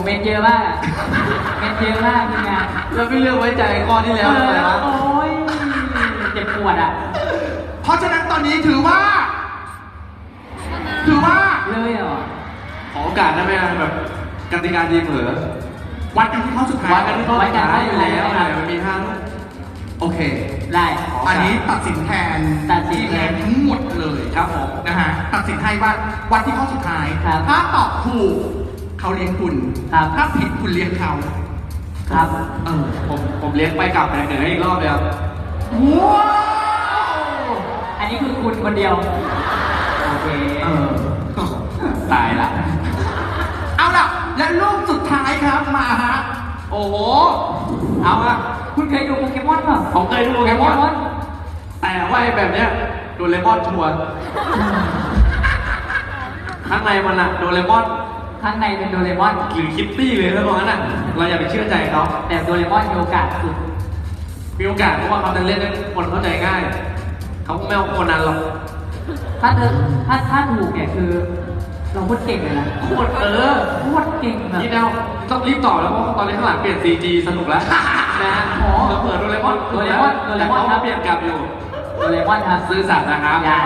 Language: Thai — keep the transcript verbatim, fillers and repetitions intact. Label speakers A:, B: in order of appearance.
A: เมนเยอะมากอะเมนเยอะมากทีมงาน
B: แล้วไม่เลือกไว้ใจข้อที่แล้ว
A: เอ
B: ทำไม
A: อ
B: วะ
A: โอ้ยเจ็บปวดอ่ะ
C: เพราะฉะนั้นตอนนี้ถือว่า ถือว่า
A: เลยเหรอ
B: ขอโอกาสได้ไหมแบบกติกาดีเผลอ
C: วัดกันที่ข้อสุดท้าย
B: วัดกันที่ข้อสุดท้ายอยู่แล้วอะไรมันมีห้าลูก
C: โอเค
A: ได้
C: อันนี้ตัดสินแทน
A: ตัดสินแทน
C: ทั้งหมดเลย
B: ครับผม
C: นะฮะตัดสินให้ว่าวัดที่ข้อสุดท้าย
A: ครับ
C: ถ้าตอบถูกเขาเลี้ยงคุณ
A: ครับ
C: ถ้าผิดคุณเลี้ยงเขา
A: ครับ
C: เออ
B: ผมผมเลี้ยงไปกลับไปเหนืออีกรอบเลยครับ
C: ว้าว
A: อันนี้คือคุณคนเดียวโอเค
C: เออ
B: ตายละ
C: เอาล่ะ และรูปสุดท้ายครับมาฮะ
B: โอ้โห เอาอะ
A: คุณเคยดูโปเกมอนเปล่า
B: ผมเคยดูโปเกมอน แต่ว่าไอ้แบบเนี้ยโดเรมอนชัวร์ข้างในมันอะโดเรมอน
A: ข้างในเป็นโดเรมอน
B: หรือคิตตี้เลยแล้วตรงนั้นอะเราอย่าไปเชื่อใจเขา
A: แต่โดเรมอนมีโอกาสสุด
B: มีโอกาสเพราะว่าเขาจะเล่นให้คนเข้าใจง่าย เขาไม่เอาคนนั้นหรอก
A: ถ้าเธอถ้าถ้าถูกเนี่ยคือ เราพูดเก่งเลยนะ
B: โคตรเออ
A: โคตรเก่งแบบ
B: นี่แนวต้องรีบตอบแล้วเพราะว่าตอนนี้ข้างหลังเปลี่ยน ซี จี สนุกแล้วนะอ๋อเปิดโดเรมอน
A: โดเรมอนโดเรมอน
B: แต่เขาเปลี่ยนกลับอยู่
A: โดเรมอนครับ
B: ซื้อสัตว์นะครับ